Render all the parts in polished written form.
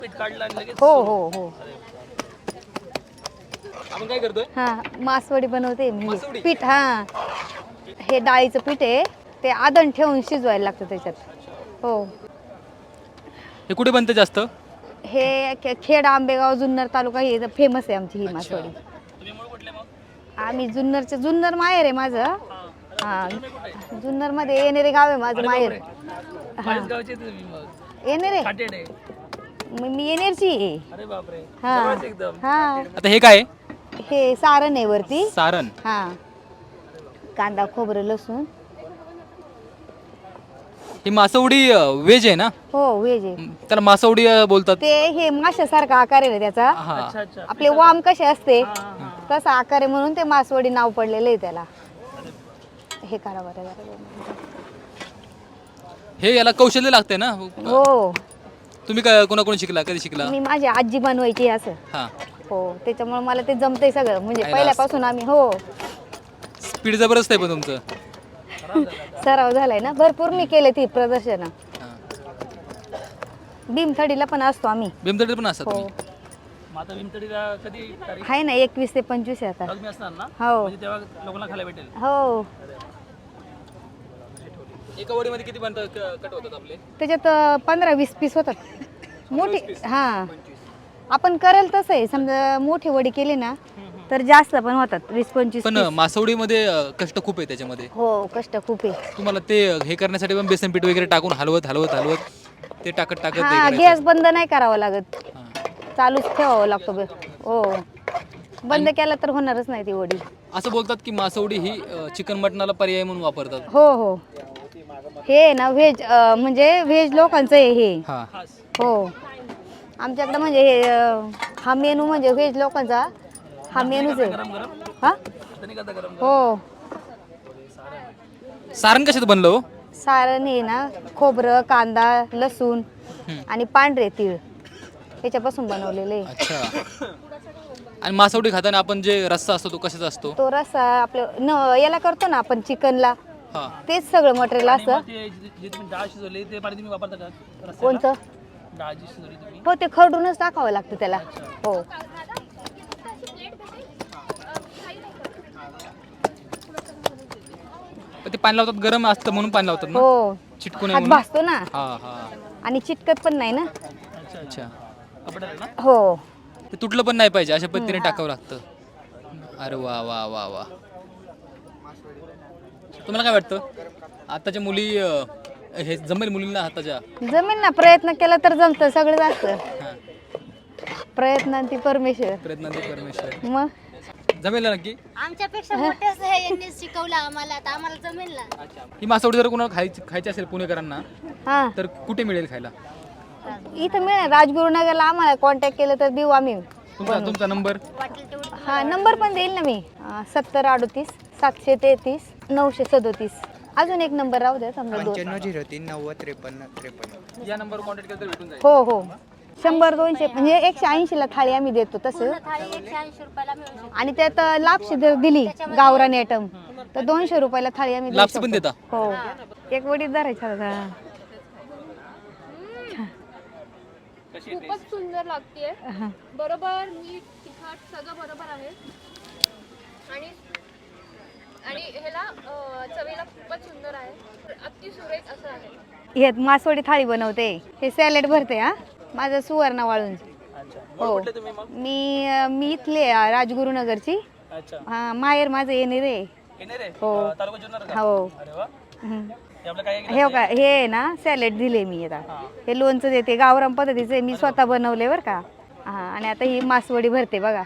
पीठ काढलं आणि लगेच हो हो हो. आपण काय करतोय? हा मासवडी बनवते मी. मासवडी? पीठ हा हे डाळीचं पीठ आहे ते आदण ठेवून शिजवायला लागतं त्याच्यात. हो. हे कुठे बनते जास्त? हे खेड आंबेगाव जुन्नर तालुका हे फेमस आहे आमची ही अच्छा. मासवडी. तुम्ही मूळ कुठले मग? आम्ही जुन्नर माहेर आहे माझं. हा जुन्नर मध्ये येणेरे गाव आहे माझं माहेर. माझ्याच गावचे तुम्ही मग. येणेरे खाटेड आहे. मी येणेरची आहे. अरे बापरे. हा जवळच एकदम. हा. आता हे काय? हे सारण आहे वरती. सारण. हा कांदा खोबरं लसूण. ही मासवडी व्हेज आहे ना? हो व्हेज आहे. त्याला मासवडी बोलतात. ते हे माशासारखा आकार आहे ना त्याचा. हा. आपले वाम कसे असते तसा आकार आहे म्हणून ते मासवडी नाव पडलेलं आहे त्याला. हे करा बरं जरा. हे याला कौशल्य लागते ना? हो तुम्ही काय कोणाकडून शिकला? कधी शिकला? मी माझी आजी बनवायची असं. हा. हो त्याच्यामुळे मला ते जमतंय सगळं म्हणजे आयला पहिल्यापासून आम्ही हो स्पीड जबरदस्त आहे पण तुमचं. सराव झालाय ना भरपूर मी केले ती प्रदर्शन. हा. भीमथडीला पण असतो आम्ही. भीमथडी पण असतात हो तुम्ही? आता भीमथडीला कधी तारीख? आहे ना 21 ते 25 आहे आता. तुम्ही असणार ना? हो म्हणजे तेव्हा लोकांना खायला भेटेल. हो एका वडीमध्ये किती बनतात कट होतात आपले? त्याच्यात 15-20 पीस होतात मोठी. हा आपण करेल तसं आहे समजा मोठी वडी केली ना तर जास्त पण होतात 20-25 पण मासवडीमध्ये कष्ट खूप आहे त्याच्यामध्ये. हो कष्ट खूप आहे. तुम्हाला ते हे करण्यासाठी पण बेसन पीठ वगैरे टाकून हलवत हलवत हलवत ते टाकत टाकत हा हे गॅस बंद नाही करावा लागत हा. चालूच ठेवावं लागतो. हो बंद केला तर होणारच नाही ती वडी. असं बोलतात की मासवडी ही चिकन मटणाला पर्याय म्हणून वापरतात. हो हो हे ना व्हेज म्हणजे व्हेज लोकांचं आहे हे. हा. हो आमच्याकडे म्हणजे हे हा मेनू म्हणजे व्हेज लोकांचा हा मेनूच आहे. हा हो सारण कशात बनलं हो? सारण हे ना खोबरं कांदा लसूण आणि पांढरे तीळ ह्याच्यापासून बनवलेले आहे. अच्छा. आणि मासवडी खाताना आपण जे रस्सा असतो तो कशाचा असतो? तो रस्सा आपलं याला करतो ना आपण चिकनला हा. तेच सगळं मटेरियल असतं. डाळ शिजवली ते पाणी तुम्ही वापरता का? कोणतं? डाळ जी शिजवली तुम्ही. हो ते खरडूनच टाकावं लागतं त्याला. हो ते पाणी लावतात गरम असतं म्हणून पाणी लावतात ना? हो चिटकू नये हात म्हणून? भासतो ना हा हा. आणि चिटकत पण नाही ना. अच्छा. हो ते तुटलं पण नाही पाहिजे अशा पद्धतीने टाकावं लागतं. अरे वा वा वा वा. तुम्हाला काय वाटतं आताच्या मुली हे जमेल मुलींना हाताच्या? जमेल ना प्रयत्न केला तर जमतं सगळं असतं. हा. प्रयत्नांती परमेश्वर. प्रयत्नांती परमेश्वर. मग जमेल ना नक्की? आमच्यापेक्षा मोठेच आहे यांनी शिकवलं आम्हाला आता आम्हाला जमेल ना. ही मासवडी जर कोणाला खायची असेल पुणेकरांना हा तर कुठे मिळेल खायला? इथं मिळेल राजगुरुनगरला आम्हाला कॉन्टॅक्ट केलं तर देऊ आम्ही. तुमचा नंबर? वाटेल तेवढं हा नंबर पण देईल ना मी 7038 733 937. अजून एक नंबर राहू द्या समजा 2. 9503 90 53 53. या नंबरवर कॉन्टॅक्ट केला तर भेटून जाईल. हो हो 100-200 म्हणजे 180 ला थाळी आम्ही देतो तसं. थाळी 180 रुपयाला मिळू शकते. आणि त्यात लापशी जर दिली गावरान आयटम तर 200 रुपयाला थाळी आम्ही देऊ लापसी पण शकतो. देता? हो एक वडीत धरायचा होता. खूपच सुंदर लागते. बरोबर मीठ तिखट सगळं बरोबर आहे आणि आणि ह्याला चवीला खूपच सुंदर आहे. अति सुरेख असं आहे. हे मासवडी थाळी बनवते हे सॅलेड भरते. हा माझं सुवर्ण वाळून. हो मी इथले राजगुरुनगरची. हा माहेर माझं येणेरे. हो हो. हे बघा हे आहे ना सॅलेड दिले मी आता. हे लोणचं देते गावरान पद्धतीचे मी स्वतः बनवले बरं का. हा आणि आता ही मासवडी भरते बघा.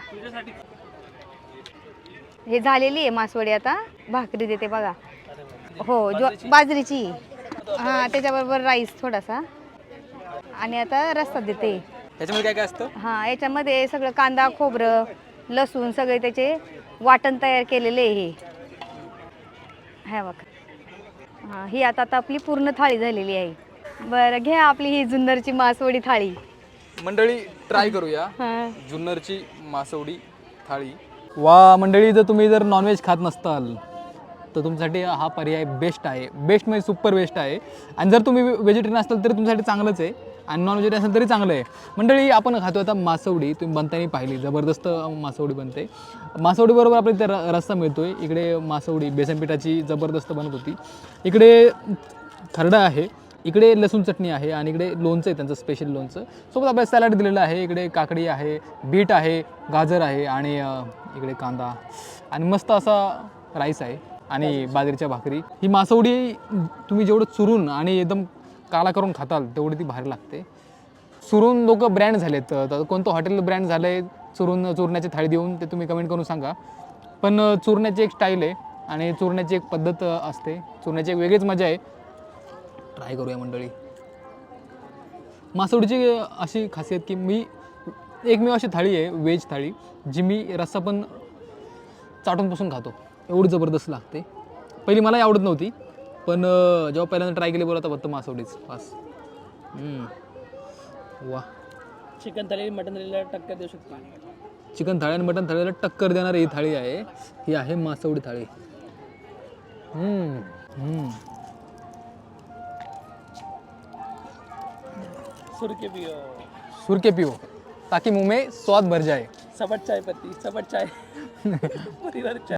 हे झालेली आहे मासवडी. आता भाकरी देते बघा. हो बाजरीची. हा त्याच्याबरोबर राईस थोडासा आणि आता रस्सा देते. त्याच्यामध्ये काय काय असतं? हा याच्यामध्ये सगळं कांदा खोबरं लसूण सगळे त्याचे वाटण तयार केलेले हे. हा बघा. हा ही आता आपली पूर्ण थाळी झालेली आहे. बरं घ्या आपली ही जुन्नरची मासवडी थाळी. मंडळी ट्राय करूया हा जुन्नरची मासवडी थाळी. वा मंडळी जर नॉनव्हेज खात नसताल तर तुमच्यासाठी हा पर्याय बेस्ट आहे. बेस्ट म्हणजे सुपर बेस्ट आहे. आणि जर तुम्ही व्हेजिटेरियन असाल तर तुमच्यासाठी चांगलंच आहे. आणि नॉन व्हेजिटेरियन असेल तरी चांगलं आहे. मंडळी आपण खातो आता मासवडी, तुम्ही बनताना पाहिली, जबरदस्त मासवडी बनते. मासवडीबरोबर आपल्याला इथे रस्सा मिळतो आहे. इकडे मासवडी बेसनपिठाची जबरदस्त बनत होती. इकडे खरडा आहे, इकडे लसूण चटणी आहे आणि इकडे लोणचं आहे त्यांचं स्पेशल लोणचं. सोबत आपल्याला सॅलड दिलेलं आहे. इकडे काकडी आहे, बीट आहे, गाजर आहे आणि इकडे कांदा आणि मस्त असा राईस आहे आणि बाजरीच्या भाकरी. ही मासवडी तुम्ही जेवढं चुरून आणि एकदम काला करून खाताल तेवढी ती भारी लागते. चुरून लोक ब्रँड झालेत, तर कोणतं हॉटेल ब्रँड झालं आहे चुरण्याची थाळी देऊन ते तुम्ही कमेंट करून सांगा. पण चुरण्याची एक स्टाईल आहे आणि चुरण्याची एक पद्धत असते, चुरण्याची एक वेगळीच मजा आहे. ट्राय करूया मंडळी. मासवडीची अशी खासियत की मी अशी थाळी आहे व्हेज थाळी जी मी रस्सा पण चाटूनपासून खातो, एवढी जबरदस्त लागते. पहिली मलाही आवडत नव्हती, पण जेव्हा पहिल्यांदा ट्राय केली बोलता फक्त मासवडीच बस. वा. चिकन थाळी मटन थाळीला टक्कर देऊ शकतो. चिकन थाळी आणि मटन थाळीला टक्कर देणारी ही थाळी आहे. ही आहे मासवडी थाळी. सुरके पिओ ताकि मुंह में स्वाद भर जाए. सबट चाय पत्ती, सबट चाय. परिवार चाय.